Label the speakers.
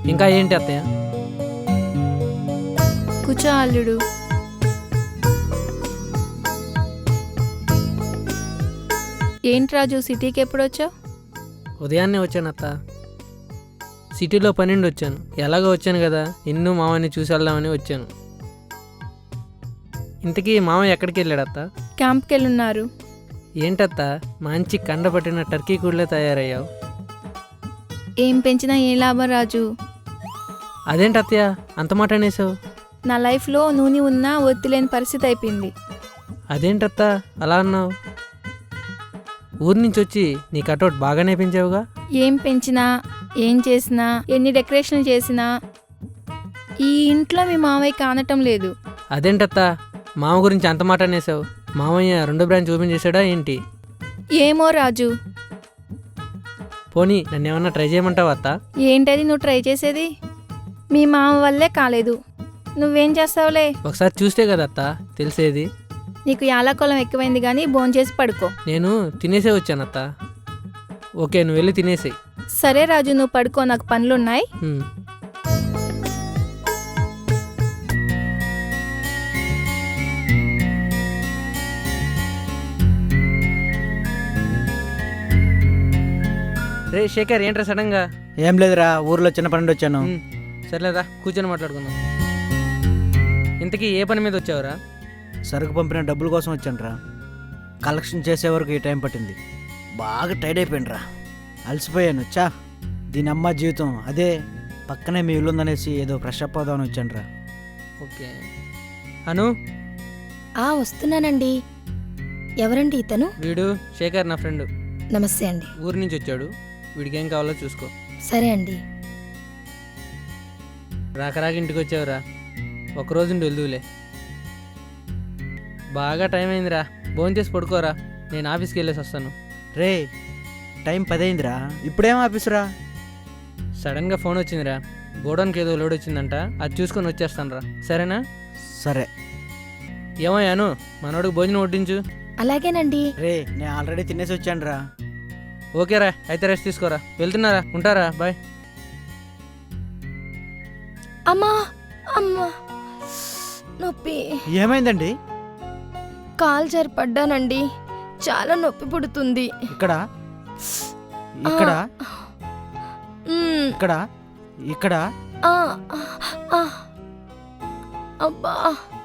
Speaker 1: ఇంకా ఏంటి అత్తయ్య?
Speaker 2: కూర్చో అల్లుడు. ఏంటి రాజు, సిటీకి ఎప్పుడు వచ్చావు?
Speaker 1: ఉదయాన్నే వచ్చాను అత్త. సిటీలో పనిండి వచ్చాను. ఎలాగో వచ్చాను కదా, నిన్ను మామని చూసి వెళ్దామని వచ్చాను. ఇంతకీ మామ ఎక్కడికి వెళ్ళాడు అత్త?
Speaker 2: క్యాంప్కి వెళ్ళున్నారు.
Speaker 1: ఏంటత్త మంచి కండపట్టిన టర్కీ కూడలే తయారయ్యావు.
Speaker 2: ఏం పెంచినా ఏం లాభం రాజు.
Speaker 1: అదేంటత్తయ్య అంత మాట అనేసావు?
Speaker 2: నా లైఫ్లో నూనె ఉన్నా ఒత్తిలేని పరిస్థితి అయిపోయింది.
Speaker 1: అదేంటత్త అలా అన్నావు? ఊరి నుంచి వచ్చి నీ కటౌట్ బాగానే పెంచావుగా.
Speaker 2: ఏం పెంచినా, ఏం చేసినా, ఎన్ని డెకరేషన్లు చేసినా ఈ ఇంట్లో మీ మామయ్య కానటం లేదు.
Speaker 1: అదేంటత్త మామ గురించి అంత మాట అనేసావు? మామయ్య రెండో బ్రాంచ్ ఓపెన్ చేశాడా ఏంటి?
Speaker 2: ఏమో రాజు.
Speaker 1: పోనీ నన్ను ఏమన్నా ట్రై చేయమంటావా అత్త?
Speaker 2: ఏంటది నువ్వు ట్రై చేసేది? మీ మామ వల్లే కాలేదు, నువ్వేం చేస్తావులే.
Speaker 1: ఒకసారి చూస్తే కదా అత్త తెలిసేది.
Speaker 2: నీకు యాలకొలం ఎక్కువైంది కానీ భోంచేసి పడుకో.
Speaker 1: నేను తినేసే వచ్చానత్త. ఓకే నువ్వు వెళ్ళి తినేసేయి.
Speaker 2: సరే రాజు, నువ్వు పడుకో, నాకు పనులున్నాయి.
Speaker 1: రే శేఖర్, ఏంట్రా సడన్గా?
Speaker 3: ఏం లేదురా, ఊర్లో చిన్న పని వచ్చాను.
Speaker 1: సర్లేదా కూర్చొని మాట్లాడుకుందాం. ఇంతకీ ఏ పని మీద వచ్చావురా?
Speaker 3: సరుకు పంపిన డబ్బుల కోసం వచ్చానురా. కలెక్షన్ చేసే వరకు ఈ టైం పట్టింది. బాగా టైడ్ అయిపోయినరా, అలసిపోయాను. దీని అమ్మ జీవితం అదే. పక్కనే మీ ఇల్లు ఉందనేసి ఏదో ఫ్రెష్ అప్ అవుదామని వచ్చానురా.
Speaker 1: ఓకే అను.
Speaker 4: వస్తున్నానండి. ఎవరండి ఇతను?
Speaker 1: వీడు శేఖర్, నా ఫ్రెండ్.
Speaker 4: నమస్తే అండి.
Speaker 1: ఊరి నుంచి వచ్చాడు. వీడికి ఏం కావాలో చూసుకో.
Speaker 4: సరే అండి.
Speaker 1: రాకరాక ఇంటికి వచ్చావురా, ఒకరోజు వెళ్దువులే. బాగా టైం అయిందిరా, భోంచేసి పడుకోరా, నేను ఆఫీస్కి వెళ్ళేసి వస్తాను.
Speaker 3: రే టైం 10 అయిందిరా, ఇప్పుడేం ఆఫీసురా?
Speaker 1: సడన్గా ఫోన్ వచ్చిందిరా, గోడౌన్కి ఏదో లోడ్ వచ్చిందంట, అది చూసుకొని వచ్చేస్తాను రా. సరేనా?
Speaker 3: సరే.
Speaker 1: ఏమయ్యాను, మనోడికి భోజనం వడ్డించు.
Speaker 4: అలాగేనండి.
Speaker 3: రే నేను ఆల్రెడీ తినేసి వచ్చానురా.
Speaker 1: ఓకేరా, అయితే రెస్ట్ తీసుకోరా. వెళ్తున్నారా, ఉంటారా, బాయ్.
Speaker 4: అమ్మా అమ్మా, నొప్పి.
Speaker 3: ఏమైందండి?
Speaker 4: కాలు జారి పడ్డానండి, చాలా నొప్పి పుడుతుంది.
Speaker 3: ఇక్కడ ఇక్కడ
Speaker 4: మ్మ్.
Speaker 3: ఇక్కడ ఇక్కడ
Speaker 4: ఆ, ఆ, ఆ. అబ్బా